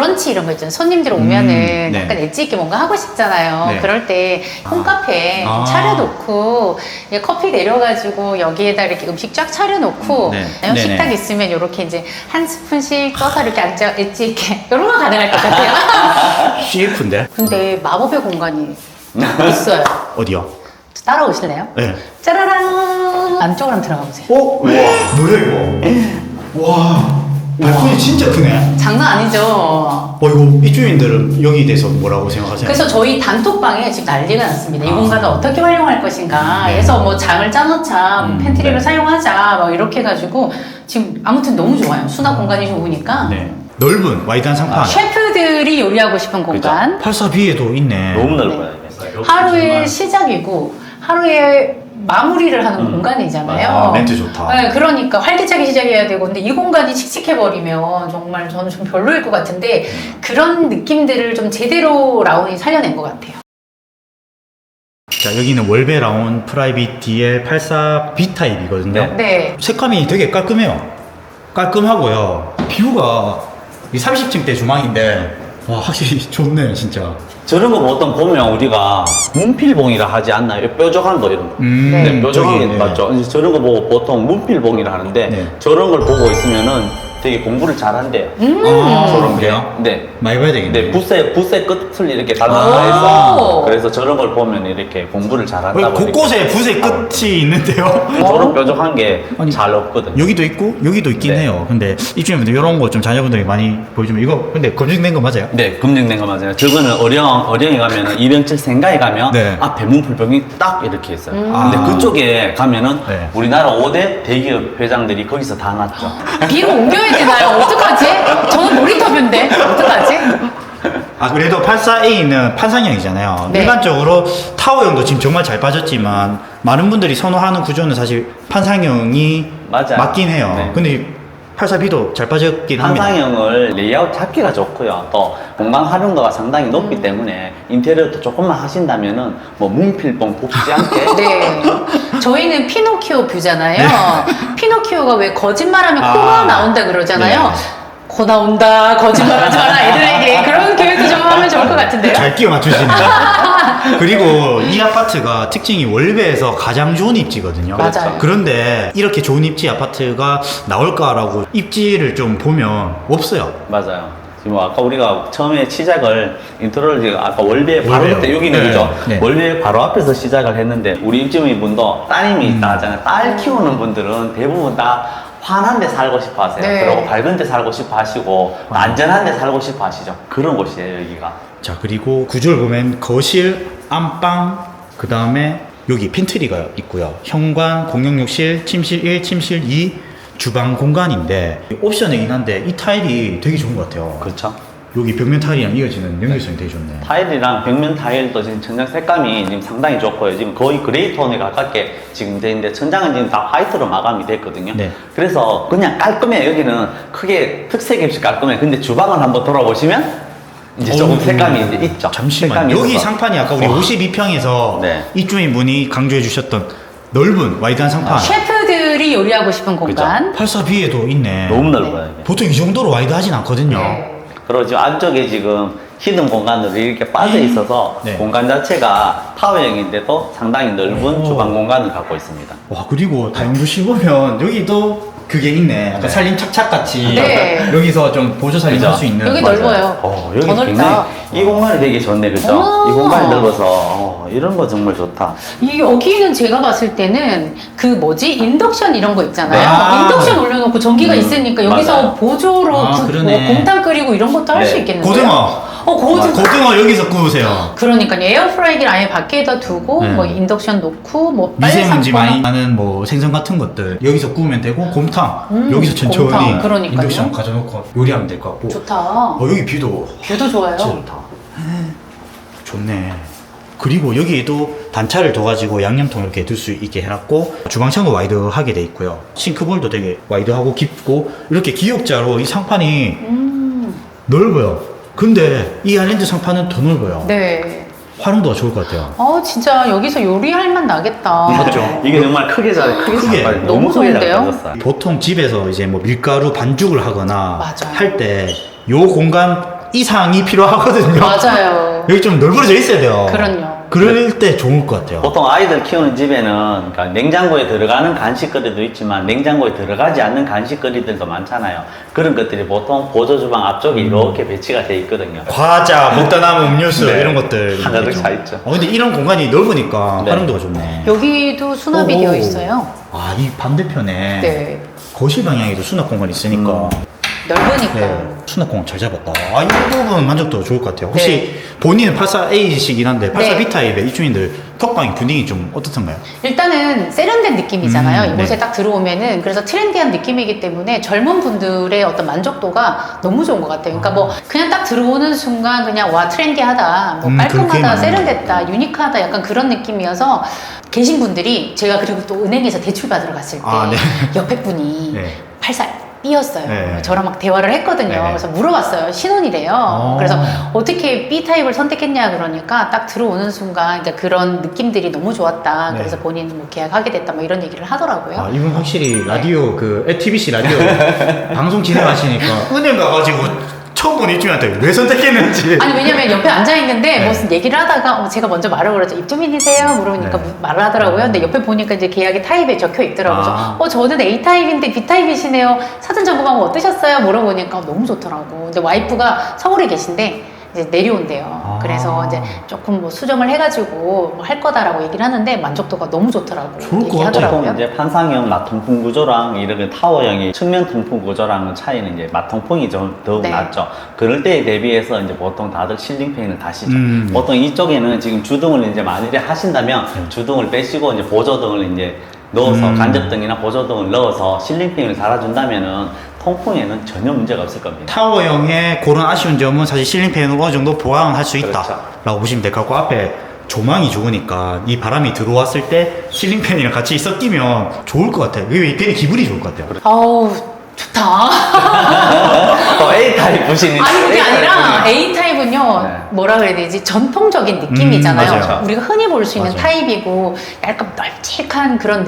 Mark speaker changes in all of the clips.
Speaker 1: 브런치 이런 거 있잖아요. 손님들 오면은 약간 엣지 있게 뭔가 하고 싶잖아요.
Speaker 2: 네.
Speaker 1: 그럴 때 홈카페 좀
Speaker 2: 아.
Speaker 1: 차려놓고 이제 커피 내려가지고 여기에다 이렇게 음식 쫙 차려놓고 식탁 있으면 이렇게 이제 한 스푼씩 떠서 이렇게 앉아 엣지 있게 이런 거 가능할 것 같아요.
Speaker 2: CF인데?
Speaker 1: 근데 마법의 공간이 있어요.
Speaker 2: 어디요?
Speaker 1: 따라오실래요?
Speaker 2: 네.
Speaker 1: 짜라란 안쪽으로 한번 들어가 보세요.
Speaker 2: 어? 우와, 뭐야 이거? 와, 발코니 진짜 크네.
Speaker 1: 장난 아니죠?
Speaker 2: 이거 입주민들은 여기에 대해서 뭐라고 생각하세요?
Speaker 1: 그래서 저희 단톡방에 지금 난리가 났습니다. 이 공간을 어떻게 활용할 것인가
Speaker 2: 네.
Speaker 1: 해서 뭐 장을 짜놓자, 팬트리를 사용하자, 뭐 이렇게 해가지고 지금 아무튼 너무 좋아요. 수납 공간이 좋으니까.
Speaker 2: 네. 넓은 와이드한 상판.
Speaker 1: 셰프들이 요리하고 싶은 공간.
Speaker 2: 84B에도 있네.
Speaker 3: 너무 넓어요.
Speaker 1: 하루의 시작이고 하루의 마무리를 하는 공간이잖아요.
Speaker 2: 아, 멘트 좋다.
Speaker 1: 네, 그러니까 활기차게 시작해야 되고, 근데 이 공간이 칙칙해버리면 정말 저는 좀 별로일 것 같은데 그런 느낌들을 좀 제대로 라온이 살려낸 것 같아요.
Speaker 2: 자, 여기는 월베 라온 프라이빗 DL84B 타입이거든요.
Speaker 1: 네.
Speaker 2: 색감이 되게 깔끔해요. 깔끔하고요. 뷰가 이 30층대 주방인데 와, 확실히 좋네 진짜.
Speaker 3: 저런 거 보통 보면 우리가 문필봉이라 하지 않나요? 뾰족한 거 이런 거.
Speaker 1: 네,
Speaker 3: 뾰족한 게
Speaker 2: 저기,
Speaker 3: 맞죠? 이제 저런 거 보고 보통 문필봉이라 하는데
Speaker 2: 네.
Speaker 3: 저런 걸 보고 있으면은 되게 공부를 잘한대요.
Speaker 2: 아,
Speaker 3: 저런 게.
Speaker 2: 그래요?
Speaker 3: 네.
Speaker 2: 많이 봐야 되겠네.
Speaker 3: 네, 붓의 끝을 이렇게 달라서
Speaker 1: 아.
Speaker 3: 해서 그래서 저런 걸 보면 이렇게 공부를 잘한다고.
Speaker 2: 곳곳에 붓의 끝이 있는데요.
Speaker 3: 저런 뾰족한 게
Speaker 2: 아니,
Speaker 3: 잘 없거든요.
Speaker 2: 여기도 있고 여기도 있긴
Speaker 3: 네.
Speaker 2: 해요. 근데 입주민분들 이런 거 좀 자녀분들이 많이 보여주면 이거 근데 검증된 거 맞아요?
Speaker 3: 네, 검증된 거 맞아요. 저거는 어령에 가면은 이병철 생가에 가면
Speaker 2: 네.
Speaker 3: 앞에 문풀병이 딱 이렇게 있어요.
Speaker 2: 아.
Speaker 3: 근데 그쪽에 가면은
Speaker 2: 네.
Speaker 3: 우리나라 5대 대기업 회장들이 거기서 다 났죠.
Speaker 1: B로 옮겨야 되나요? 어떡하지? 저는 모니터뷰인데 어떡하지?
Speaker 2: 아, 그래도 84A는 판상형이잖아요.
Speaker 1: 네.
Speaker 2: 일반적으로 타워형도 지금 정말 잘 빠졌지만 많은 분들이 선호하는 구조는 사실 판상형이
Speaker 3: 맞아요.
Speaker 2: 맞긴 해요.
Speaker 3: 네.
Speaker 2: 근데 84B도 잘 빠졌긴 합니다.
Speaker 3: 판상형을 레이아웃 잡기가 좋고요. 또 공간 활용도가 상당히 높기 때문에 인테리어도 조금만 하신다면은 뭐 문필봉 붓지 않게
Speaker 1: 네. 저희는 피노키오 뷰잖아요. 피노키오가 왜 거짓말하면
Speaker 2: 아.
Speaker 1: 코가 나온다 그러잖아요.
Speaker 2: 네.
Speaker 1: 코 나온다, 거짓말하지 마라 애들에게 그런 교육도 좀 하면 좋을 것 같은데요.
Speaker 2: 잘 끼워 맞추시네. 그리고 이 아파트가 특징이 월베에서 가장 좋은 입지거든요.
Speaker 1: 맞아요.
Speaker 2: 그런데 이렇게 좋은 입지 아파트가 나올까라고 입지를 좀 보면 없어요.
Speaker 3: 맞아요. 지금 아까 우리가 처음에 시작을 인트로를 지금 아까 월비의 바로
Speaker 2: 월베요.
Speaker 3: 그때 여기는
Speaker 2: 네.
Speaker 3: 그죠?
Speaker 2: 네.
Speaker 3: 월비의 바로 앞에서 시작을 했는데 우리 입주민 분도 따님이 있다 하잖아요. 딸 키우는 분들은 대부분 다 환한 데 살고 싶어 하세요.
Speaker 1: 네.
Speaker 3: 그리고 밝은 데 살고 싶어 하시고 안전한 데 살고 싶어 하시죠. 그런 곳이에요, 여기가.
Speaker 2: 자, 그리고 구조를 보면 거실, 안방, 그 다음에 여기 팬트리가 있고요. 현관, 공용욕실, 침실 1, 침실 2, 주방 공간인데 옵션이긴 한데 이 타일이 되게 좋은 것 같아요.
Speaker 3: 그렇죠.
Speaker 2: 여기 벽면 타일이랑 이어지는 연결성이 되게 좋네.
Speaker 3: 타일이랑 벽면 타일도 지금 천장 색감이 지금 상당히 좋고요. 지금 거의 그레이 톤에 가깝게 지금 되는데 천장은 지금 다 화이트로 마감이 됐거든요.
Speaker 2: 네.
Speaker 3: 그래서 그냥 깔끔해요. 여기는 크게 특색 없이 깔끔해요. 근데 주방을 한번 돌아보시면 이제 조금 색감이 이제 있죠.
Speaker 2: 잠시만.
Speaker 3: 색감이
Speaker 2: 여기
Speaker 3: 있어서.
Speaker 2: 상판이 아까 우리 52평에서
Speaker 3: 네.
Speaker 2: 입주민 분이 강조해 주셨던 넓은 와이드한 상판.
Speaker 1: 셰프들이 요리하고 싶은 공간.
Speaker 2: 84B에도 있네.
Speaker 3: 너무 넓어요. 이게.
Speaker 2: 보통 이 정도로 와이드하진 않거든요.
Speaker 1: 네.
Speaker 3: 그리고 지금 안쪽에 지금 히든 공간으로 이렇게 빠져 있어서
Speaker 2: 네.
Speaker 3: 공간 자체가 타워형인데도 상당히 넓은
Speaker 2: 오.
Speaker 3: 주방 공간을 갖고 있습니다.
Speaker 2: 와, 그리고 다용도실 보면 여기도 그게 있네. 약간
Speaker 3: 네.
Speaker 2: 살림 착착같이
Speaker 1: 네.
Speaker 2: 여기서 좀 보조 살림
Speaker 3: 그죠?
Speaker 2: 할 수 있는.
Speaker 1: 여기
Speaker 3: 맞아요.
Speaker 1: 넓어요.
Speaker 3: 여기
Speaker 1: 더 넓다.
Speaker 3: 굉장히 이 공간이 되게 좋네, 그죠?
Speaker 1: 오.
Speaker 3: 이 공간이 넓어서 이런 거 정말 좋다.
Speaker 1: 이 여기는 제가 봤을 때는 그 뭐지 인덕션 이런 거 있잖아요.
Speaker 2: 네. 아.
Speaker 1: 인덕션 올려놓고 전기가 있으니까 여기서
Speaker 3: 맞아요.
Speaker 1: 보조로
Speaker 2: 아, 그러네.
Speaker 1: 뭐 곰탕 끓이고 이런 것도 할 수
Speaker 3: 네.
Speaker 1: 있겠는데요.
Speaker 2: 고등어. 고등어 여기서 구우세요.
Speaker 1: 그러니까 에어프라이기를 아예 밖에다 두고
Speaker 2: 네.
Speaker 1: 뭐 인덕션 놓고 뭐
Speaker 2: 미세먼지
Speaker 1: 빨리
Speaker 2: 많이 나는 뭐 생선 같은 것들 여기서 구우면 되고 곰탕 여기서 천천히
Speaker 1: 곰탕, 그러니까요.
Speaker 2: 인덕션 가져놓고 요리하면 될 것 같고.
Speaker 1: 좋다.
Speaker 2: 여기 뷰도
Speaker 1: 뷰도 좋아요.
Speaker 2: 진짜 좋다. 좋네. 그리고 여기에도 단차를 둬가지고 양념통 이렇게 둘 수 있게 해놨고 주방창도 와이드하게 돼 있고요. 싱크볼도 되게 와이드하고 깊고 이렇게 기역자로 이 상판이 넓어요. 근데 이 아일랜드 상판은 더 넓어요.
Speaker 1: 네.
Speaker 2: 활용도가 좋을 것 같아요.
Speaker 1: 진짜 여기서 요리할 맛 나겠다.
Speaker 2: 맞죠?
Speaker 3: 이게 정말 크게
Speaker 2: 크게.
Speaker 3: 잘
Speaker 1: 너무
Speaker 3: 크게 잘
Speaker 1: 좋은데요?
Speaker 3: 빠졌어요.
Speaker 2: 보통 집에서 이제 뭐 밀가루 반죽을 하거나
Speaker 1: 맞아요.
Speaker 2: 할 때 요 공간 이상이 필요하거든요.
Speaker 1: 맞아요.
Speaker 2: 여기 좀 넓어져 있어야 돼요.
Speaker 1: 그럼요.
Speaker 2: 그럴 때 좋을 것 같아요.
Speaker 3: 보통 아이들 키우는 집에는 그러니까 냉장고에 들어가는 간식거리도 있지만 냉장고에 들어가지 않는 간식거리들도 많잖아요. 그런 것들이 보통 보조주방 앞쪽에 이렇게 배치가 돼 있거든요.
Speaker 2: 과자, 먹다 남은 음료수
Speaker 3: 네.
Speaker 2: 이런 것들
Speaker 3: 하나둘 다 있죠.
Speaker 2: 근데 이런 공간이 넓으니까
Speaker 3: 네.
Speaker 2: 활용도가 좋네.
Speaker 1: 여기도 수납이
Speaker 2: 오.
Speaker 1: 되어 있어요.
Speaker 2: 아, 이 반대편에
Speaker 1: 네.
Speaker 2: 거실 방향에도 수납 공간이 있으니까
Speaker 1: 넓으니까.
Speaker 2: 네, 수납 공간 잘 잡았다. 아, 이 부분 만족도 좋을 것 같아요. 혹시
Speaker 1: 네.
Speaker 2: 본인은 84A이시긴 한데 84B
Speaker 1: 네.
Speaker 2: 타입의 입주민들 톡방의 분위기 좀 어떻던가요?
Speaker 1: 일단은 세련된 느낌이잖아요. 이곳에
Speaker 2: 네.
Speaker 1: 딱 들어오면은. 그래서 트렌디한 느낌이기 때문에 젊은 분들의 어떤 만족도가 너무 좋은 것 같아요. 그러니까 뭐 그냥 딱 들어오는 순간 그냥 와 트렌디하다, 뭐
Speaker 2: 그렇게
Speaker 1: 깔끔하다,
Speaker 2: 많아요.
Speaker 1: 세련됐다, 유니크하다 약간 그런 느낌이어서 계신 분들이 제가 그리고 또 은행에서 대출 받으러 갔을 때
Speaker 2: 아, 네. 옆에
Speaker 1: 분이
Speaker 2: 네.
Speaker 1: 84B였어요.
Speaker 2: 네.
Speaker 1: 저랑 막 대화를 했거든요.
Speaker 2: 네.
Speaker 1: 그래서 물어봤어요. 신혼이래요. 그래서 어떻게 B타입을 선택했냐 그러니까 딱 들어오는 순간 그러니까 그런 느낌들이 너무 좋았다.
Speaker 2: 네.
Speaker 1: 그래서 본인은 뭐 계약하게 됐다 뭐 이런 얘기를 하더라고요.
Speaker 2: 아, 이분 확실히 라디오 TBC 라디오 방송 진행하시니까 은행 가가지고 처음 본 입주민한테 왜 선택했는지.
Speaker 1: 아니 왜냐면 옆에 앉아 있는데
Speaker 2: 네.
Speaker 1: 무슨 얘기를 하다가 제가 먼저 말을 걸었죠. 입주민이세요? 물어보니까
Speaker 2: 네.
Speaker 1: 말을 하더라고요. 근데 옆에 보니까 이제 계약이 타입에 적혀 있더라고요.
Speaker 2: 아.
Speaker 1: 그래서 저는 A 타입인데 B 타입이시네요. 사전 점검하고 어떠셨어요? 물어보니까 너무 좋더라고. 근데 와이프가 서울에 계신데 이제 내려온대요.
Speaker 2: 아.
Speaker 1: 그래서 이제 조금 뭐 수정을 해가지고 뭐 할 거다라고 얘기를 하는데 만족도가 너무 좋더라고.
Speaker 2: 좋을 것
Speaker 1: 얘기하더라고요.
Speaker 3: 보통 이제 판상형 마통풍 구조랑 이렇게 타워형의 측면 통풍 구조랑은 차이는 이제 마통풍이 좀 더욱
Speaker 1: 네.
Speaker 3: 낫죠. 그럴 때에 대비해서 이제 보통 다들 실링팬을 다시죠.
Speaker 2: 음.
Speaker 3: 보통 이쪽에는 지금 주등을 이제 만일에 하신다면 주등을 빼시고 이제 보조등을 이제 넣어서 간접등이나 보조등을 넣어서 실링팬을 달아준다면은 통풍에는 전혀 문제가 없을 겁니다.
Speaker 2: 타워형의 그런 아쉬운 점은 사실 실링팬으로 어느 정도 보완을 할 수 있다
Speaker 3: 그렇죠.
Speaker 2: 라고 보시면 될 것 같고, 앞에 조망이 좋으니까 이 바람이 들어왔을 때 실링팬이랑 같이 섞이면 좋을 것 같아요. 이게 괜히 기분이 좋을 것 같아요.
Speaker 1: 아우 좋다.
Speaker 3: A타입 부신이
Speaker 1: 아니 그게 아니라 A 타입은요
Speaker 3: 네.
Speaker 1: 뭐라 그래야 되지 전통적인 느낌이잖아요.
Speaker 2: 맞아요.
Speaker 1: 우리가 흔히 볼 수 있는
Speaker 2: 맞아요.
Speaker 1: 타입이고 약간 널찍한 그런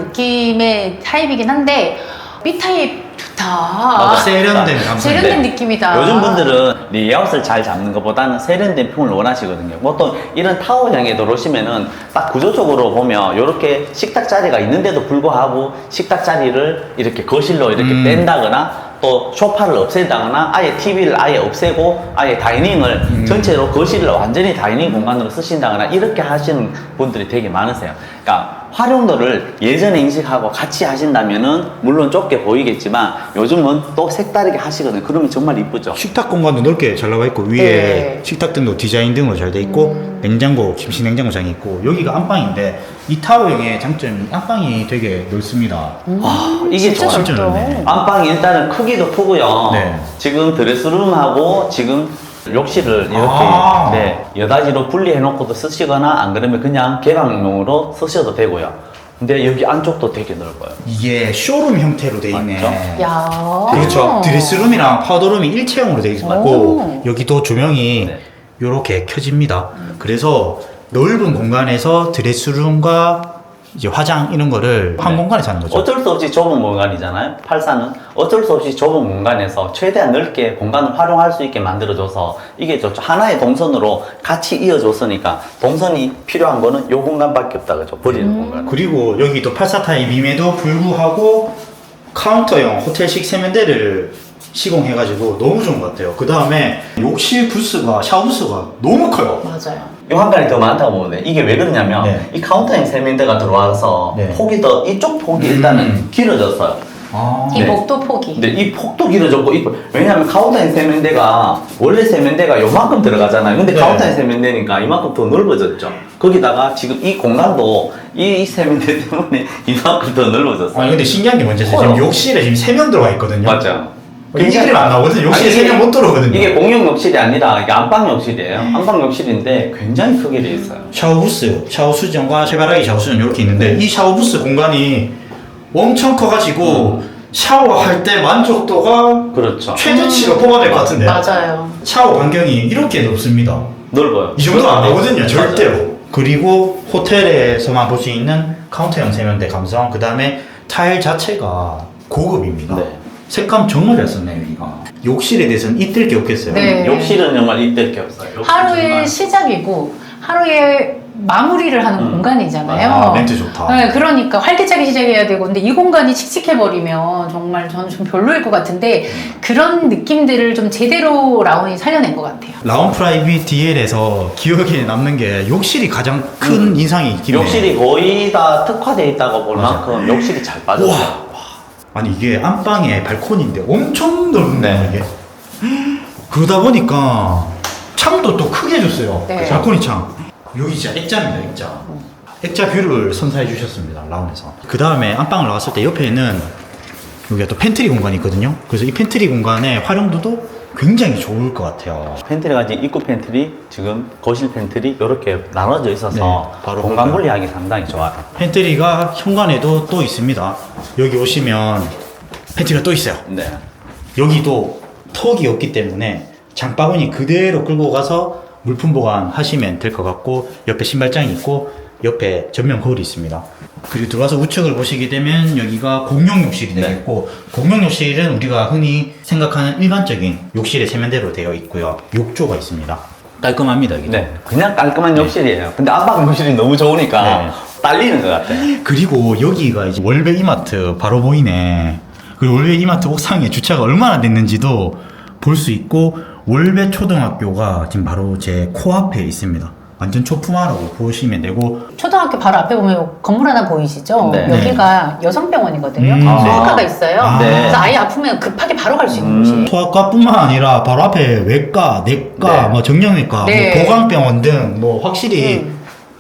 Speaker 1: 느낌의 타입이긴 한데 B 타입 좋다.
Speaker 3: 맞아.
Speaker 2: 세련된 감성.
Speaker 1: 세련된 느낌이다.
Speaker 3: 요즘 분들은 레이아웃을 잘 잡는 것보다는 세련된 품을 원하시거든요. 보통 이런 타워형에 들어오시면은 딱 구조적으로 보면 이렇게 식탁 자리가 있는데도 불구하고 식탁 자리를 이렇게 거실로 이렇게 뺀다거나 또 소파를 없앤다거나 아예 TV를 아예 없애고 아예 다이닝을 전체로 거실을 완전히 다이닝 공간으로 쓰신다거나 이렇게 하시는 분들이 되게 많으세요. 그러니까 활용도를 예전에 인식하고 같이 하신다면은 물론 좁게 보이겠지만 요즘은 또 색다르게 하시거든요. 그러면 정말 이쁘죠.
Speaker 2: 식탁 공간도 넓게 잘 나와 있고, 위에
Speaker 1: 네.
Speaker 2: 식탁등도 디자인 등으로 잘 돼 있고, 냉장고, 김치 냉장고장이 있고, 여기가 안방인데 이 타워형의 장점이 안방이 되게 넓습니다.
Speaker 3: 이게
Speaker 1: 진짜
Speaker 3: 좋아요.
Speaker 2: 진짜
Speaker 1: 넓다.
Speaker 2: 넓네.
Speaker 3: 안방이 일단은 크기도 크고요.
Speaker 2: 네.
Speaker 3: 지금 드레스룸하고 지금 욕실을 이렇게
Speaker 2: 아.
Speaker 3: 네, 여닫이로 분리해 놓고도 쓰시거나 안 그러면 그냥 개방용으로 쓰셔도 되고요. 근데 여기 안쪽도 되게 넓어요.
Speaker 2: 이게 쇼룸 형태로 돼 있네.
Speaker 3: 맞죠?
Speaker 1: 야.
Speaker 2: 그렇죠. 드레스룸이랑 파우더룸이 일체형으로 돼 있고,
Speaker 1: 오.
Speaker 2: 여기도 조명이
Speaker 3: 네.
Speaker 2: 이렇게 켜집니다. 그래서 넓은 공간에서 드레스룸과 이제 화장 이런 거를 한
Speaker 3: 네.
Speaker 2: 공간에서 하는 거죠.
Speaker 3: 어쩔 수 없이 좁은 공간이잖아요. 84는 어쩔 수 없이 좁은 공간에서 최대한 넓게 공간을 활용할 수 있게 만들어줘서 이게 좋죠. 하나의 동선으로 같이 이어줬으니까 동선이 필요한 거는 요 공간밖에 없다 그죠. 버리는 공간.
Speaker 2: 그리고 여기도 84 타입임에도 불구하고 카운터형 호텔식 세면대를 시공해가지고 너무 좋은 것 같아요. 그 다음에 욕실 부스가, 샤워 부스가 너무 커요.
Speaker 1: 맞아요.
Speaker 3: 이 환관이 더 많다고 보는데 이게 왜 그러냐면
Speaker 2: 네.
Speaker 3: 이 카운터형 세면대가 들어와서
Speaker 2: 네.
Speaker 3: 폭이 더 이쪽 폭이 일단은 길어졌어요.
Speaker 2: 아,
Speaker 1: 이
Speaker 3: 네.
Speaker 1: 목도 폭이.
Speaker 3: 근데 이 폭도 길어졌고 왜냐하면 카운터형 세면대가 원래 세면대가 요만큼 들어가잖아요. 근데
Speaker 2: 네.
Speaker 3: 카운터형 세면대니까 이만큼 더 넓어졌죠. 거기다가 지금 이 공간도 이 세면대 때문에 이만큼 더 넓어졌어요.
Speaker 2: 아니 근데 신기한 게 뭔지 아세요?
Speaker 3: 커요.
Speaker 2: 지금 욕실에 지금 3명 들어가 있거든요.
Speaker 3: 맞죠?
Speaker 2: 인기들이 안 나오거든요. 욕실에
Speaker 3: 아니,
Speaker 2: 3명 못 들어오거든요.
Speaker 3: 이게 공용 욕실이 아니라 이게 안방 욕실이에요. 안방 욕실인데 굉장히 크게 돼 있어요.
Speaker 2: 샤워 부스, 샤워 수전과 세바라기 샤워 수전 이렇게 있는데 이 샤워 부스 공간이 엄청 커가지고 샤워할 때 만족도가
Speaker 3: 그렇죠.
Speaker 2: 최대치로 뽑아낼 것 같은데
Speaker 1: 맞아요.
Speaker 2: 샤워 반경이 이렇게 넓습니다.
Speaker 3: 넓어요.
Speaker 2: 이 정도 안 나오거든요, 절대로.
Speaker 3: 맞아요.
Speaker 2: 그리고 호텔에서만 볼 수 있는 카운터형 세면대 감성, 그 다음에 타일 자체가 고급입니다.
Speaker 3: 네.
Speaker 2: 색감 정말 잘 썼네요, 여기가. 욕실에 대해서는 이뜰 게 없겠어요.
Speaker 1: 네.
Speaker 3: 욕실은 정말 이때일 게 없어요. 욕실
Speaker 1: 하루의
Speaker 3: 정말.
Speaker 1: 시작이고 하루의 마무리를 하는 공간이잖아요.
Speaker 2: 아, 멘트 좋다.
Speaker 1: 네, 그러니까 활기차게 시작해야 되고, 근데 이 공간이 칙칙해버리면 정말 저는 좀 별로일 것 같은데 그런 느낌들을 좀 제대로 라온이 살려낸 것 같아요.
Speaker 2: 라온 프라이빗 DL에서 기억에 남는 게 욕실이 가장 큰 인상이 있긴 해요.
Speaker 3: 욕실이 거의 다 특화되어 있다고 볼
Speaker 2: 맞아.
Speaker 3: 만큼 욕실이 잘 빠졌어요.
Speaker 2: 우와. 아니 이게 안방에 발코니인데 엄청 넓네요
Speaker 3: 네.
Speaker 2: 이게. 그러다 보니까 창도 또 크게 해줬어요.
Speaker 1: 네.
Speaker 2: 발코니 창. 여기 진짜 액자입니다, 액자. 액자 뷰를 선사해 주셨습니다, 라온에서. 그 다음에 안방을 나왔을 때 옆에는 여기가 또 팬트리 공간이 있거든요. 그래서 이 팬트리 공간의 활용도도 굉장히 좋을 것 같아요.
Speaker 3: 팬트리가 지금 입구 팬트리, 지금 거실 팬트리 이렇게 나눠져 있어서
Speaker 2: 네, 바로
Speaker 3: 공간
Speaker 2: 볼까요?
Speaker 3: 분리하기 상당히 좋아요.
Speaker 2: 팬트리가 현관에도 또 있습니다. 여기 오시면 팬트리가 또 있어요.
Speaker 3: 네.
Speaker 2: 여기도 턱이 없기 때문에 장바구니 그대로 끌고 가서 물품 보관하시면 될 것 같고, 옆에 신발장이 있고 옆에 전면 거울이 있습니다. 그리고 들어와서 우측을 보시게 되면 여기가 공용 욕실이
Speaker 3: 네.
Speaker 2: 되겠고, 공용 욕실은 우리가 흔히 생각하는 일반적인 욕실의 세면대로 되어 있고요. 욕조가 있습니다. 깔끔합니다, 여기.
Speaker 3: 네. 그냥 깔끔한 욕실이에요. 근데 안방 욕실이 너무 좋으니까
Speaker 2: 네.
Speaker 3: 딸리는 것 같아요.
Speaker 2: 그리고 여기가 이제 월베 이마트 바로 보이네. 그리고 월베 이마트 옥상에 주차가 얼마나 됐는지도 볼 수 있고, 월베 초등학교가 지금 바로 제 코앞에 있습니다. 완전 초품화라고 보시면 되고,
Speaker 1: 초등학교 바로 앞에 보면 건물 하나 보이시죠?
Speaker 3: 네.
Speaker 1: 여기가 여성병원이거든요.
Speaker 2: 아.
Speaker 1: 소아과가 있어요.
Speaker 2: 아.
Speaker 3: 네.
Speaker 1: 그래서 아이 아프면 급하게 바로 갈 수 있는 곳이에요.
Speaker 2: 소아과뿐만 아니라 바로 앞에 외과, 내과,
Speaker 3: 네.
Speaker 2: 뭐 정형외과,
Speaker 1: 네.
Speaker 2: 뭐 보강병원 등 뭐 확실히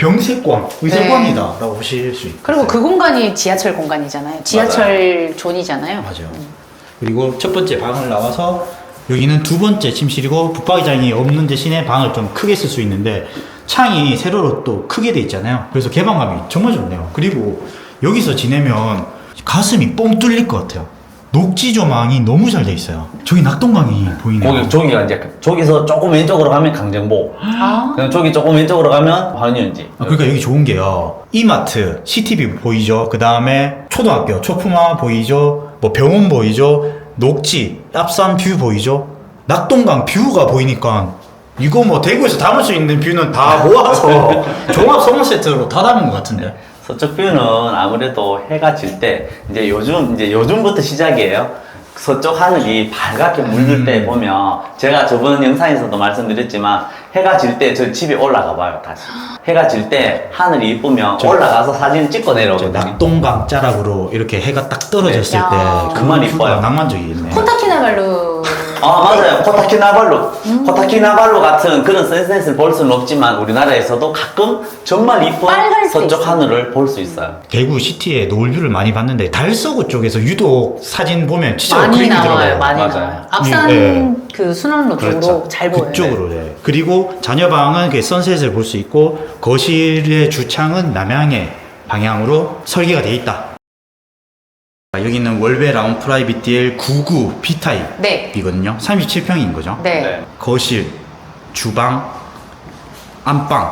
Speaker 2: 병세권, 의세권이다라고 보실 수 있어요.
Speaker 1: 그리고 그 공간이 지하철 공간이잖아요. 지하철 존이잖아요.
Speaker 2: 맞아요. 그리고 첫 번째 방을 나와서 여기는 두 번째 침실이고, 붙박이장이 없는 대신에 방을 좀 크게 쓸 수 있는데 창이 세로로 또 크게 돼 있잖아요. 그래서 개방감이 정말 좋네요. 그리고 여기서 지내면 가슴이 뻥 뚫릴 것 같아요. 녹지 조망이 너무 잘 돼 있어요. 저기 낙동강이 보이네요.
Speaker 3: 저기가 이제 저기서 조금 왼쪽으로 가면 강정보,
Speaker 1: 아,
Speaker 3: 그냥 저기 조금 왼쪽으로 가면 환윤지.
Speaker 2: 그러니까 여기 좋은 게요. 이마트, CTV 보이죠? 그 다음에 초등학교, 초품화 보이죠? 뭐 병원 보이죠? 녹지, 앞산 뷰 보이죠? 낙동강 뷰가 보이니까 이거 뭐 대구에서 담을 수 있는 뷰는 다 모아서 종합 선물 세트로 다 담은 것 같은데.
Speaker 3: 서쪽 뷰는 아무래도 해가 질 때 이제 요즘부터 시작이에요. 서쪽 하늘이 밝게 물들 때 보면, 제가 저번 영상에서도 말씀드렸지만 해가 질 때 저 집에 올라가 봐요, 다시. 해가 질 때 하늘이 이쁘면 올라가서 사진 찍고 내려오거든요.
Speaker 2: 낙동강 자락으로 이렇게 해가 딱 떨어졌을
Speaker 1: 네.
Speaker 2: 때
Speaker 1: 야.
Speaker 2: 그만
Speaker 3: 이뻐요.
Speaker 2: 이뻐요. 낭만적이겠네.
Speaker 1: 콘타키나발루.
Speaker 3: 아, 맞아요. 코타키나발루. 코타키나발루 같은 그런 센스를 볼 수는 없지만 우리나라에서도 가끔 정말 이쁜
Speaker 1: 빨갈 때
Speaker 3: 서쪽
Speaker 1: 있어요.
Speaker 3: 하늘을 볼 수 있어요.
Speaker 2: 대구 시티에 노을뷰를 많이 봤는데 달서구 쪽에서 유독 사진 보면 진짜
Speaker 1: 많이
Speaker 2: 그림이
Speaker 1: 나와요.
Speaker 2: 들어가요.
Speaker 1: 많이
Speaker 3: 맞아요.
Speaker 1: 나와요. 앞산
Speaker 2: 네.
Speaker 1: 그 순환로 쪽으로 잘 보여요.
Speaker 2: 그쪽으로, 네. 그리고 자녀방은 그 선셋을 볼 수 있고, 거실의 주창은 남향의 방향으로 설계가 되어 있다. 여기는 월베 라운 프라이빗 DL 99 B타입이거든요.
Speaker 1: 네.
Speaker 2: 37평인 거죠.
Speaker 1: 네.
Speaker 3: 네.
Speaker 2: 거실, 주방, 안방,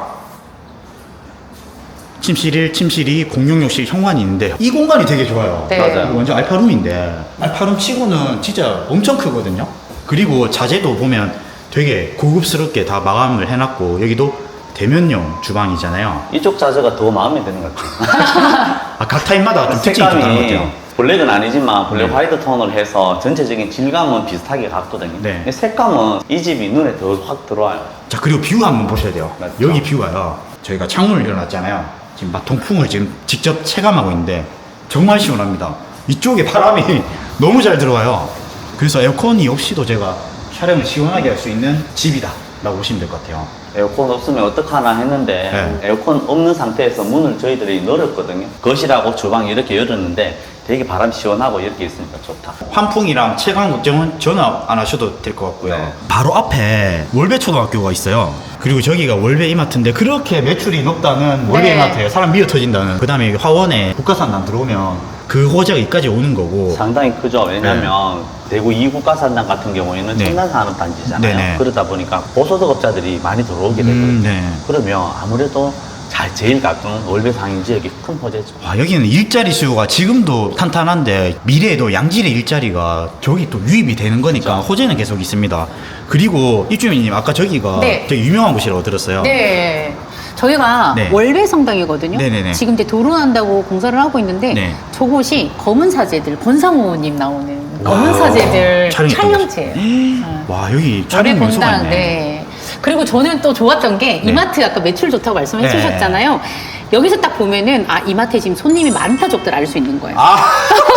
Speaker 2: 침실 1, 침실 2, 공용욕실, 현관이 있는데 이 공간이 되게 좋아요.
Speaker 1: 네.
Speaker 3: 맞아요.
Speaker 2: 이거 완전 알파룸인데, 알파룸 치고는 진짜 엄청 크거든요. 그리고 자재도 보면 되게 고급스럽게 다 마감을 해놨고, 여기도 대면용 주방이잖아요.
Speaker 3: 이쪽 자재가 더 마음에 드는 것 같아요.
Speaker 2: 각 타입마다 좀 특징이 좀 다른 것 같아요.
Speaker 3: 블랙은 아니지만 블랙
Speaker 2: 네.
Speaker 3: 화이트 톤을 해서 전체적인 질감은 비슷하게 갔거든요.
Speaker 2: 네.
Speaker 3: 근데 색감은 이 집이 눈에 더 확 들어와요.
Speaker 2: 자, 그리고 뷰 한번 보셔야 돼요.
Speaker 3: 맞죠.
Speaker 2: 여기 뷰가요, 저희가 창문을 열어놨잖아요. 지금 막 통풍을 지금 직접 체감하고 있는데 정말 시원합니다. 이쪽에 바람이 너무 잘 들어와요. 그래서 에어컨이 없이도 제가 촬영을 시원하게 할 수 있는 집이다 라고 보시면 될 것 같아요.
Speaker 3: 에어컨 없으면 어떡하나 했는데
Speaker 2: 네.
Speaker 3: 에어컨 없는 상태에서 문을 저희들이 열었거든요. 거실하고 주방 이렇게 열었는데 되게 바람 시원하고 이렇게 있으니까 좋다.
Speaker 2: 환풍이랑 채광 걱정은 전혀 안 하셔도 될 것 같고요.
Speaker 3: 네.
Speaker 2: 바로 앞에 월베 초등학교가 있어요. 그리고 저기가 월베 이마트인데 그렇게 매출이 높다는 월베
Speaker 1: 네.
Speaker 2: 이마트에 사람 미어 터진다는. 그 다음에 화원에 국가산단 들어오면 그 호재가 여기까지 오는 거고.
Speaker 3: 상당히 크죠. 왜냐면 대구 2국가산단 같은 경우에는
Speaker 2: 네.
Speaker 3: 첨단산업단지잖아요.
Speaker 2: 네네.
Speaker 3: 그러다 보니까 보소득업자들이 많이 들어오게 되거든요.
Speaker 2: 네.
Speaker 3: 그러면 아무래도 잘 제일 가까운 월배 상인 지역이 큰 호재죠.
Speaker 2: 와, 여기는 일자리 수요가 지금도 탄탄한데 미래에도 양질의 일자리가 저기 또 유입이 되는 거니까
Speaker 3: 그렇죠.
Speaker 2: 호재는 계속 있습니다. 그리고 입주민님 아까 저기가
Speaker 1: 네.
Speaker 2: 되게 유명한 곳이라고 들었어요.
Speaker 1: 네. 저희가
Speaker 2: 네.
Speaker 1: 월배 성당이거든요.
Speaker 2: 네네네.
Speaker 1: 지금 이제 도로난다고 공사를 하고 있는데
Speaker 2: 네.
Speaker 1: 저곳이 검은 사제들 권상우님 나오는 검은
Speaker 2: 와,
Speaker 1: 사제들
Speaker 2: 촬영했던
Speaker 1: 촬영지예요.
Speaker 2: 와, 여기
Speaker 1: 월배
Speaker 2: 촬영 명소가
Speaker 1: 본당.
Speaker 2: 있네.
Speaker 1: 네. 그리고 저는 또 좋았던 게
Speaker 2: 네.
Speaker 1: 이마트 아까 매출 좋다고 말씀해
Speaker 2: 네.
Speaker 1: 주셨잖아요. 여기서 딱 보면은 아 이마트에 지금 손님이 많다 적들 알 수 있는 거예요.
Speaker 2: 아,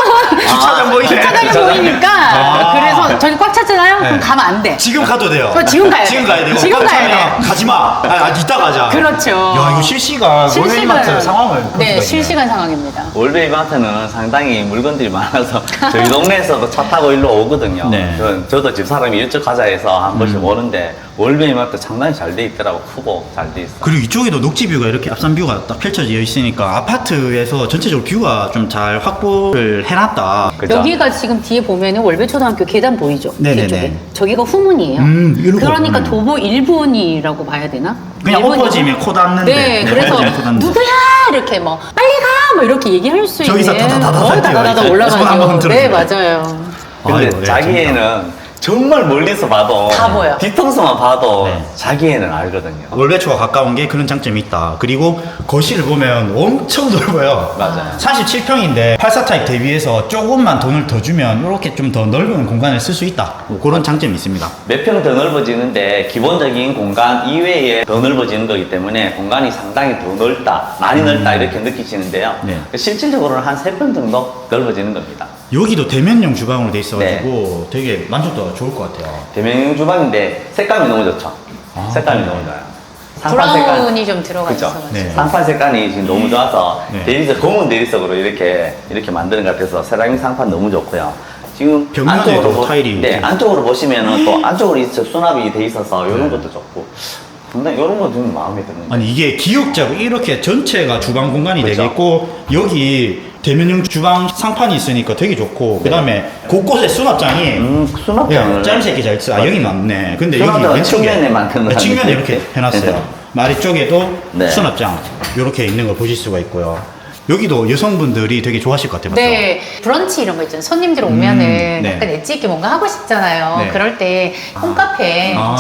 Speaker 2: 주차장 보이네.
Speaker 1: 주차장이 보이니까
Speaker 2: 아.
Speaker 1: 그래서 저기 꽉 찼잖아요.
Speaker 2: 네.
Speaker 1: 그럼 가면 안 돼.
Speaker 2: 지금 가도 돼요.
Speaker 1: 지금 가야 돼.
Speaker 2: 지금 가야 돼요.
Speaker 1: 지금
Speaker 2: 꽉
Speaker 1: 가야
Speaker 2: 차면
Speaker 1: 돼.
Speaker 2: 가지 마. 이따 가자.
Speaker 1: 그렇죠.
Speaker 2: 야, 이거 실시간 월배 이마트 상황을 볼 수가
Speaker 1: 네
Speaker 2: 있네.
Speaker 1: 실시간 상황입니다.
Speaker 3: 월배 이마트는 상당히 물건들이 많아서 저희 동네에서도 차 타고 일로 오거든요.
Speaker 2: 네.
Speaker 3: 저도 집사람이 일찍 가자 해서 한 번씩 오는데 월배 이마트 상당히 잘 돼 있더라고. 크고 잘 돼 있어.
Speaker 2: 그리고 이쪽에도 녹지 뷰가 이렇게 앞산 뷰가 딱 펼쳐져 있으니까 아파트에서 전체적으로 뷰가 좀 잘 확보를 해놨다.
Speaker 3: 그죠?
Speaker 1: 여기가 지금 뒤에 보면은 월배초등학교 계단 보이죠?
Speaker 2: 네네네.
Speaker 1: 뒤쪽에. 저기가 후문이에요.
Speaker 2: 이러고
Speaker 1: 그러니까
Speaker 2: 보면.
Speaker 1: 도보 1분이라고 봐야 되나?
Speaker 2: 그냥
Speaker 1: 1분이죠.
Speaker 2: 엎어지면 코 닿는데.
Speaker 1: 네,
Speaker 2: 네,
Speaker 1: 그래서
Speaker 2: 엎어지면 코 닿는데.
Speaker 1: 누구야 이렇게 뭐 빨리 가! 뭐 이렇게 얘기할 수
Speaker 2: 저기서
Speaker 1: 있는
Speaker 2: 다다다다다
Speaker 1: 다다다다
Speaker 2: 뛰어요. 손 한번
Speaker 1: 올라가죠. 네,
Speaker 2: 흔들어주고.
Speaker 1: 맞아요.
Speaker 3: 근데
Speaker 2: 아이고, 네,
Speaker 3: 자기애는 정말 멀리서 봐도
Speaker 1: 다 보여.
Speaker 3: 뒤통수만 봐도
Speaker 2: 네.
Speaker 3: 자기애는 알거든요.
Speaker 2: 월배초가 가까운 게 그런 장점이 있다. 그리고 거실을 보면 엄청 넓어요.
Speaker 3: 맞아요.
Speaker 2: 37평인데 84타입 대비해서 조금만 돈을 더 주면 이렇게 좀 더 넓은 공간을 쓸 수 있다. 뭐 그런 장점이 있습니다.
Speaker 3: 몇 평 더 넓어지는데 기본적인 공간 이외에 더 넓어지는 거기 때문에 공간이 상당히 더 넓다, 많이 넓다 이렇게 느끼시는데요.
Speaker 2: 네.
Speaker 3: 실질적으로는 한 3평 정도 넓어지는 겁니다.
Speaker 2: 여기도 대면형 주방으로 돼 있어가지고
Speaker 3: 네.
Speaker 2: 되게 만족도가 좋을 것 같아요.
Speaker 3: 대면 주방인데 색감이 너무 좋죠.
Speaker 2: 아,
Speaker 3: 색감이
Speaker 2: 네.
Speaker 3: 너무 좋아요. 상판 색깔.
Speaker 1: 브라운이 좀 들어가
Speaker 3: 그죠?
Speaker 1: 있어가지고.
Speaker 2: 네.
Speaker 3: 상판 색깔이 지금 너무 좋아서
Speaker 2: 네.
Speaker 3: 대리석, 검은 대리석으로 이렇게 만드는 것 같아서 세라믹 상판 너무 좋고요. 지금
Speaker 2: 벽면에도 타일이
Speaker 3: 네,
Speaker 2: 되게-
Speaker 3: 안쪽으로 보시면은 또 안쪽으로 이제 수납이 돼 있어서 이런 것도 좋고 상당히 이런 거 좀 마음에 드는 거.
Speaker 2: 아니 이게 기역자고 이렇게 전체가 주방 공간이
Speaker 3: 그렇죠.
Speaker 2: 되겠고 여기 대면형 주방 상판이 있으니까 되게 좋고 그 다음에 곳곳에 수납장이
Speaker 3: 수납장을
Speaker 2: 짜임새 잘 써. 아 여기 맞네. 근데 여기
Speaker 3: 수납장은
Speaker 2: 왼쪽에
Speaker 3: 측면에 만드는
Speaker 2: 네, 측면에
Speaker 3: 건데.
Speaker 2: 이렇게 해놨어요. 아래쪽에도
Speaker 3: 네.
Speaker 2: 수납장 이렇게 있는 걸 보실 수가 있고요. 여기도 여성분들이 되게 좋아하실 것 같아요. 맞죠?
Speaker 1: 네, 브런치 이런 거 있잖아요. 손님들 오면은
Speaker 2: 네.
Speaker 1: 약간 엣지 있게 뭔가 하고 싶잖아요.
Speaker 2: 네.
Speaker 1: 그럴 때 홈카페
Speaker 2: 아.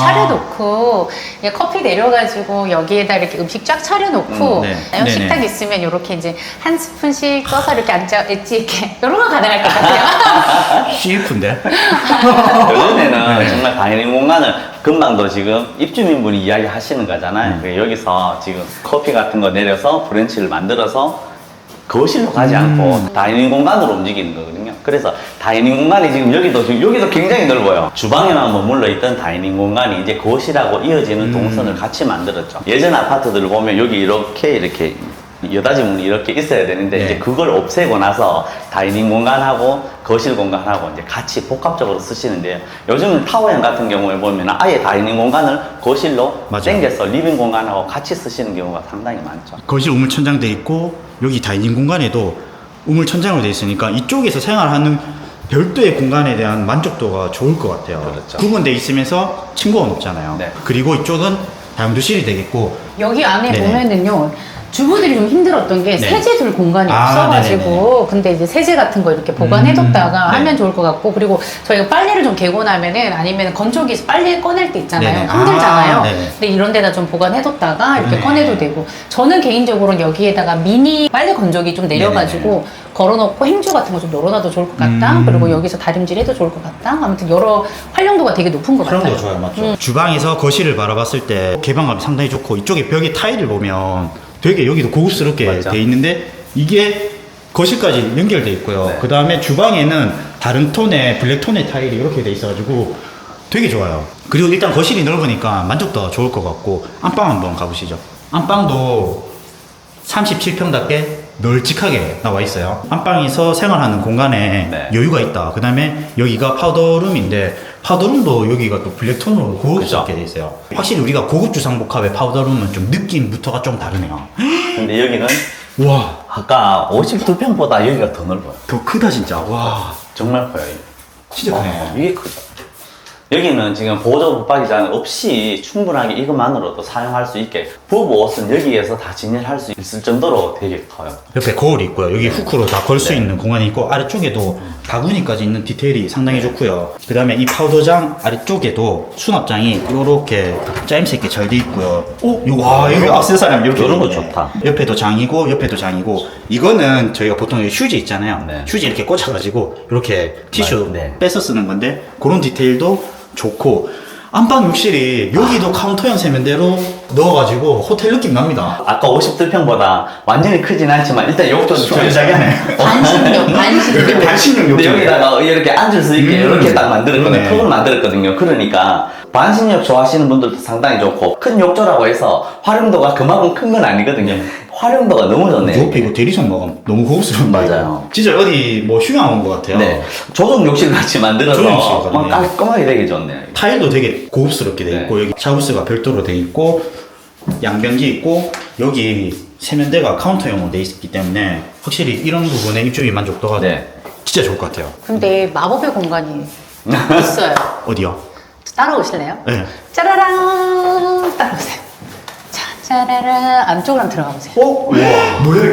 Speaker 1: 차려놓고 그냥 커피 내려가지고 여기에다 이렇게 음식 쫙 차려놓고
Speaker 2: 네.
Speaker 1: 식탁
Speaker 2: 네네.
Speaker 1: 있으면 이렇게 이제 한 스푼씩 떠서 이렇게 앉아 엣지 있게 이런 거 가능할 것 같아요.
Speaker 2: CF인데?
Speaker 3: 요즘에는
Speaker 2: 네.
Speaker 3: 정말 다이닝 공간을 금방도 지금 입주민분이 이야기 하시는 거잖아요. 그러니까 여기서 지금 커피 같은 거 내려서 브런치를 만들어서 거실로 가지 않고 다이닝 공간으로 움직이는 거거든요. 그래서 다이닝 공간이 지금 여기도 굉장히 넓어요. 주방에만 머물러 있던 다이닝 공간이 이제 거실하고 이어지는 동선을 같이 만들었죠. 예전 아파트들을 보면 여기 이렇게 여닫이 문이 이렇게 있어야 되는데
Speaker 2: 네.
Speaker 3: 이제 그걸 없애고 나서 다이닝 공간하고 거실 공간하고 이제 같이 복합적으로 쓰시는데요. 요즘은 타워형 같은 경우에 보면 아예 다이닝 공간을 거실로
Speaker 2: 맞아요.
Speaker 3: 당겨서 리빙 공간하고 같이 쓰시는 경우가 상당히 많죠.
Speaker 2: 거실 우물 천장 돼 있고 여기 다이닝 공간에도 우물 천장으로 돼 있으니까 이쪽에서 생활하는 별도의 공간에 대한 만족도가 좋을 것 같아요.
Speaker 3: 그렇죠.
Speaker 2: 구분돼 있으면서 층고가 높잖아요.
Speaker 3: 네.
Speaker 2: 그리고 이쪽은 다용도실이 되겠고
Speaker 1: 여기 안에
Speaker 2: 네네.
Speaker 1: 보면은요. 주부들이 좀 힘들었던 게
Speaker 2: 네.
Speaker 1: 세제 둘 공간이
Speaker 2: 아,
Speaker 1: 없어가지고 근데 이제 세제 같은 거 이렇게 보관해뒀다가
Speaker 2: 네.
Speaker 1: 하면 좋을 것 같고 그리고 저희가 빨래를 좀 개고 나면은 아니면 건조기에서 빨래 꺼낼 때 있잖아요.
Speaker 2: 네네.
Speaker 1: 힘들잖아요.
Speaker 2: 아, 네네.
Speaker 1: 근데 이런 데다 좀 보관해뒀다가 이렇게
Speaker 2: 네.
Speaker 1: 꺼내도 되고 저는 개인적으로는 여기에다가 미니 빨래 건조기 좀 내려가지고 걸어놓고 행주 같은 거 좀 널어놔도 좋을 것 같다. 그리고 여기서 다림질 해도 좋을 것 같다. 아무튼 여러 활용도가 되게 높은 것 같아요.
Speaker 2: 활용도가 좋아요, 맞죠? 주방에서 거실을 바라봤을 때 개방감이 상당히 좋고 이쪽에 벽에 타일을 보면 되게 여기도 고급스럽게
Speaker 3: 맞죠?
Speaker 2: 돼 있는데 이게 거실까지 연결돼 있고요.
Speaker 3: 네.
Speaker 2: 그 다음에 주방에는 다른 톤의 블랙 톤의 타일이 이렇게 돼 있어가지고 되게 좋아요. 그리고 일단 거실이 넓으니까 만족도가 좋을 것 같고 안방 한번 가보시죠. 안방도 37평답게 널찍하게 나와 있어요. 안방에서 생활하는 공간에
Speaker 3: 네.
Speaker 2: 여유가 있다. 그 다음에 여기가 파우더룸인데 파우더룸도 여기가 또 블랙톤으로 고급스럽게 돼 있어요. 확실히 우리가 고급 주상복합의 파우더룸은 좀 느낌부터가 좀 다르네요.
Speaker 3: 근데 여기는
Speaker 2: 와,
Speaker 3: 아까 52평보다 여기가 더 넓어요.
Speaker 2: 더 크다 진짜. 와,
Speaker 3: 정말 커요.
Speaker 2: 진짜 크네.
Speaker 3: 이게 크죠. 여기는 지금 보조 붙박이장 없이 충분하게 이것만으로도 사용할 수 있게 부부 옷은 여기에서 다 진열할 수 있을 정도로 되게 커요.
Speaker 2: 옆에 거울이 있고요. 여기 후크로 다 걸 수 있는 공간이 있고 아래쪽에도 바구니까지 있는 디테일이 상당히 좋고요. 그 다음에 이 파우더장 아래쪽에도 수납장이 이렇게 짜임새 있게 잘 돼 있고요. 와 여기 액세서리 이렇게
Speaker 3: 이런 거
Speaker 2: 있네.
Speaker 3: 좋다.
Speaker 2: 옆에도 장이고 옆에도 장이고 이거는 저희가 보통 휴지 있잖아요.
Speaker 3: 네.
Speaker 2: 휴지 이렇게 꽂아가지고 이렇게 티슈
Speaker 3: 네.
Speaker 2: 빼서 쓰는 건데 그런 디테일도 좋고 안방 욕실이 여기도 카운터형 세면대로 넣어가지고 호텔 느낌 납니다.
Speaker 3: 아까 52평보다 완전히 크진 않지만 일단 욕조는
Speaker 2: 자기하네.
Speaker 1: 반신욕, 반신욕.
Speaker 2: 반신욕
Speaker 3: 근데
Speaker 2: 욕조.
Speaker 3: 여기다가 이렇게 앉을 수 있게 이렇게 딱 만들었거든요.
Speaker 2: 그러네.
Speaker 3: 턱을 만들었거든요. 그러니까 반신욕 좋아하시는 분들도 상당히 좋고 큰 욕조라고 해서 활용도가 그만큼 큰 건 아니거든요. 활용도가 너무 좋네요.
Speaker 2: 옆에 이거 대리석 마감 너무 고급스러운
Speaker 3: 맞아요.
Speaker 2: 진짜 어디 뭐 휴양 온 것 같아요.
Speaker 3: 네. 조정 욕실 같이 만들어서
Speaker 2: 조정 욕실
Speaker 3: 막
Speaker 2: 같네.
Speaker 3: 깔끔하게 되게 좋네요.
Speaker 2: 타일도 되게 고급스럽게 돼 있고
Speaker 3: 네.
Speaker 2: 여기 샤워스가 별도로 돼 있고 양변기 있고 여기 세면대가 카운터형으로 돼 있기 때문에 확실히 이런 부분에 입주민 만족도가
Speaker 3: 네.
Speaker 2: 진짜 좋을 것 같아요.
Speaker 1: 근데 마법의 공간이 있어요.
Speaker 2: 어디요?
Speaker 1: 따라오실래요?
Speaker 2: 네.
Speaker 1: 짜라랑 따라오세요. 자, 짜라랑 안쪽으로 한번 들어가 보세요.
Speaker 2: 와 뭐야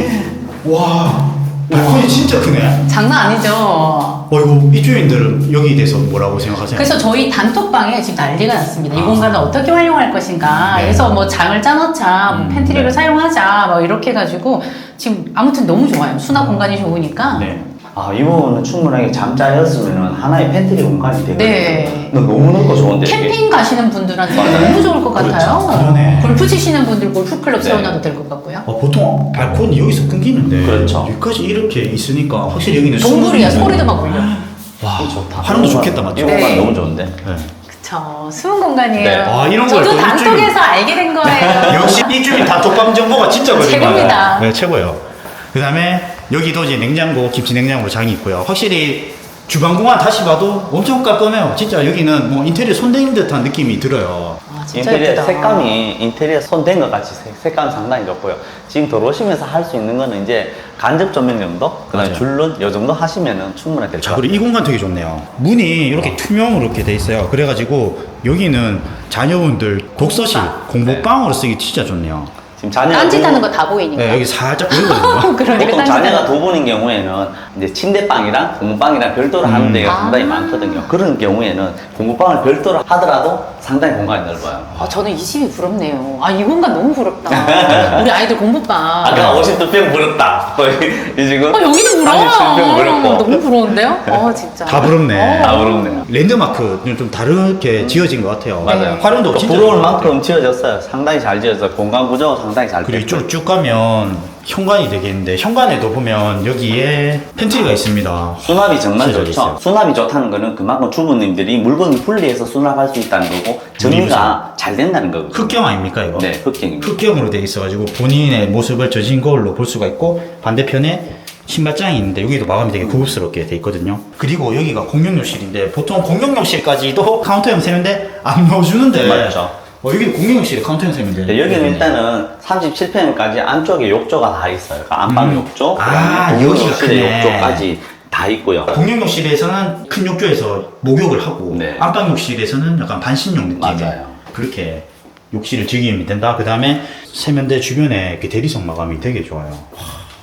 Speaker 2: 이거? 와 발코니 진짜 크네.
Speaker 1: 장난 아니죠?
Speaker 2: 이거 입주민들은 여기에 대해서 뭐라고 생각하세요?
Speaker 1: 그래서 저희 단톡방에 지금 난리가 났습니다. 이 공간을 어떻게 활용할 것인가.
Speaker 2: 네.
Speaker 1: 그래서 뭐 장을 짜놓자, 뭐 팬트리를
Speaker 3: 네.
Speaker 1: 사용하자, 뭐 이렇게 해가지고 지금 아무튼 너무 좋아요. 수납 공간이 좋으니까.
Speaker 2: 네.
Speaker 3: 아, 이 부분은 충분하게 잠자였으면 하나의 팬트리 공간이 되거든요.
Speaker 1: 네.
Speaker 3: 너무 넓고 좋은데. 이게.
Speaker 1: 캠핑 가시는 분들한테
Speaker 3: 맞아요.
Speaker 1: 너무 좋을 것 같아요.
Speaker 2: 그러네.
Speaker 1: 골프 치시는 분들 골프클럽
Speaker 3: 네.
Speaker 1: 세워놔도 될 것 같고요.
Speaker 2: 보통 발코니 여기서 끊기는데
Speaker 3: 그렇죠.
Speaker 2: 여기까지 이렇게 있으니까 확실히 여기는
Speaker 1: 동굴이야.
Speaker 2: 숨은
Speaker 1: 소리도 막 울려.
Speaker 2: 와
Speaker 3: 이 좋다.
Speaker 2: 활용도
Speaker 3: 이
Speaker 2: 좋겠다
Speaker 3: 공간,
Speaker 2: 맞죠?
Speaker 3: 이 공간
Speaker 1: 네.
Speaker 3: 너무 좋은데.
Speaker 2: 네.
Speaker 1: 그쵸. 숨은 공간이에요.
Speaker 3: 네.
Speaker 2: 아, 이런 걸
Speaker 1: 저도
Speaker 2: 또
Speaker 1: 단톡에서 알게 된 거예요.
Speaker 2: 역시 입주민 단톡방 정보가 진짜 거짓말.
Speaker 1: 최고입니다.
Speaker 2: 네, 최고예요. 그 다음에 여기도 이제 냉장고, 김치 냉장고 장이 있고요. 확실히 주방 공간 다시 봐도 엄청 깔끔해요. 진짜 여기는 뭐 인테리어 손댄 듯한 느낌이 들어요.
Speaker 1: 아, 진짜
Speaker 3: 인테리어
Speaker 1: 예쁘다.
Speaker 3: 색감이 인테리어 손댄 것 같이 색감 상당히 좋고요. 지금 들어오시면서 할 수 있는 거는 이제 간접 조명 정도, 그다음에
Speaker 2: 맞아요.
Speaker 3: 줄눈 요 정도 하시면은 충분히 될 것
Speaker 2: 자,
Speaker 3: 같아요.
Speaker 2: 그리고 이 공간 되게 좋네요. 문이 이렇게 투명으로 이렇게 돼 있어요. 그래가지고 여기는 자녀분들 독서실, 공부방으로 쓰기 진짜 좋네요.
Speaker 3: 지금 자녀가
Speaker 1: 딴짓하는 거 다 보이니까.
Speaker 2: 네, 여기 살짝 보이거든요.
Speaker 1: 그러니까
Speaker 3: 보통
Speaker 1: 딴짓하는
Speaker 3: 자녀가
Speaker 1: 거.
Speaker 3: 두 분인 경우에는 이제 침대방이랑 공부방이랑 별도로 하는 데가
Speaker 1: 아.
Speaker 3: 상당히 많거든요. 그런 경우에는 공부방을 별도로 하더라도 상당히 공간이 넓어요.
Speaker 1: 아, 저는 이 집이 부럽네요. 아, 이 공간 너무 부럽다. 우리 아이들 공부방.
Speaker 3: 아까 52평 부럽다. 이 지금
Speaker 1: 여기도 부러워.
Speaker 3: 37평 부럽고.
Speaker 1: 너무 부러운데요? 진짜.
Speaker 2: 다 부럽네.
Speaker 3: 다 부럽네요.
Speaker 2: 랜드마크는 좀 다르게 지어진 것 같아요.
Speaker 3: 맞아요.
Speaker 2: 활용도 진짜
Speaker 3: 부러울
Speaker 2: 좋은 것 같아요.
Speaker 3: 만큼 지어졌어요. 상당히 잘 지어서 공간 구조 상당히 잘
Speaker 2: 그리고
Speaker 3: 됐고요.
Speaker 2: 이쪽으로 쭉 가면 현관이 되겠는데 현관에도 보면 여기에 팬트리가 있습니다.
Speaker 3: 수납이 정말
Speaker 2: 진짜
Speaker 3: 좋죠.
Speaker 2: 있어요.
Speaker 3: 수납이 좋다는 거는 그만큼 주부님들이 물건을 분리해서 수납할 수 있다는 거고 정리가 잘 된다는 거거든요.
Speaker 2: 흑경 아닙니까 이거?
Speaker 3: 네, 흑경입니다.
Speaker 2: 흑경으로 돼 있어가지고 본인의 모습을 젖은 거울로 볼 수가 있고 반대편에 신발장이 있는데 여기도 마감이 되게 고급스럽게 돼 있거든요. 그리고 여기가 공용욕실인데 보통 공용욕실까지도 카운터형 세면대 안 넣어주는데
Speaker 3: 맞죠.
Speaker 2: 여기도 공용욕실에 카운터형 세면대.
Speaker 3: 네, 여기는 일단은 37평까지 안쪽에 욕조가 다 있어요. 그러니까 안방 욕조,
Speaker 2: 아,
Speaker 3: 그다음에
Speaker 2: 여기가
Speaker 3: 욕실의
Speaker 2: 크네.
Speaker 3: 욕조까지 다 있고요.
Speaker 2: 공용욕실에서는 큰 욕조에서 목욕을 하고
Speaker 3: 네.
Speaker 2: 안방욕실에서는 약간 반신욕 느낌.
Speaker 3: 맞아요.
Speaker 2: 그렇게 욕실을 즐기면 된다. 그 다음에 세면대 주변에 이렇게 대리석 마감이 되게 좋아요. 와,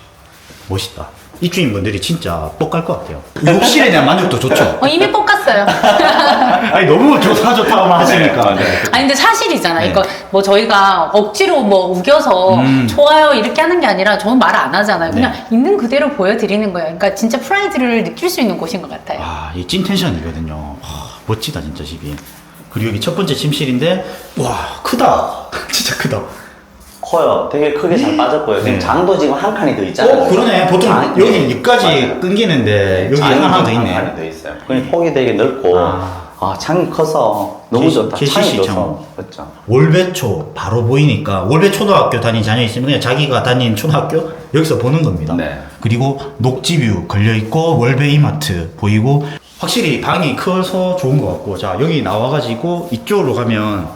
Speaker 2: 멋있다. 입주인분들이 진짜 뻑갈 것 같아요. 욕실에 대한 만족도 좋죠.
Speaker 1: 이미 뻑갔어요.
Speaker 2: 아니 너무 좋다고만 하시니까.
Speaker 3: 네.
Speaker 1: 아니 근데 사실이잖아.
Speaker 2: 네.
Speaker 1: 그러니까 뭐 저희가 억지로 뭐 우겨서 좋아요 이렇게 하는 게 아니라 저는 말을 안 하잖아요. 그냥
Speaker 2: 네.
Speaker 1: 있는 그대로 보여드리는 거예요. 그러니까 진짜 프라이드를 느낄 수 있는 곳인 것 같아요.
Speaker 2: 아, 이 찐 텐션이거든요. 와, 멋지다 진짜 집이. 그리고 여기 첫 번째 침실인데 와 크다. 진짜 크다.
Speaker 3: 커요. 되게 크게 잘 빠졌고요. 지금
Speaker 2: 네.
Speaker 3: 장도 지금 한 칸이 더 있잖아요.
Speaker 2: 그러네. 보통
Speaker 3: 장-
Speaker 2: 여기
Speaker 3: 네.
Speaker 2: 여기까지
Speaker 3: 맞아요.
Speaker 2: 끊기는데 여기
Speaker 3: 장이
Speaker 2: 하나 더
Speaker 3: 한
Speaker 2: 있네.
Speaker 3: 칸이 더 있어요. 그러니까 폭이 되게 넓고 창이 커서 너무
Speaker 2: 제-
Speaker 3: 좋다.
Speaker 2: 제
Speaker 3: 창이
Speaker 2: CC
Speaker 3: 좋서
Speaker 2: 창.
Speaker 3: 그렇죠.
Speaker 2: 월배초 바로 보이니까 월배 초등학교 다닌 자녀 있으면 그냥 자기가 다닌 초등학교 여기서 보는 겁니다.
Speaker 3: 네.
Speaker 2: 그리고 녹지뷰 걸려 있고 월배 이마트 보이고 확실히 방이 커서 좋은 것 같고 자 여기 나와가지고 이쪽으로 가면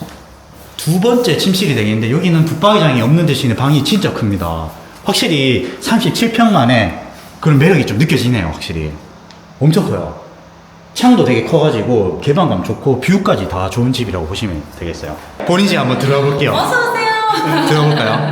Speaker 2: 두 번째 침실이 되겠는데 여기는 붙박이장이 없는 대신에 방이 진짜 큽니다. 확실히 37평 만에 그런 매력이 좀 느껴지네요. 확실히 엄청 커요. 창도 되게 커가지고 개방감 좋고 뷰까지 다 좋은 집이라고 보시면 되겠어요. 본인 집 한번 들어가 볼게요.
Speaker 1: 어서 오세요.
Speaker 2: 들어볼까요?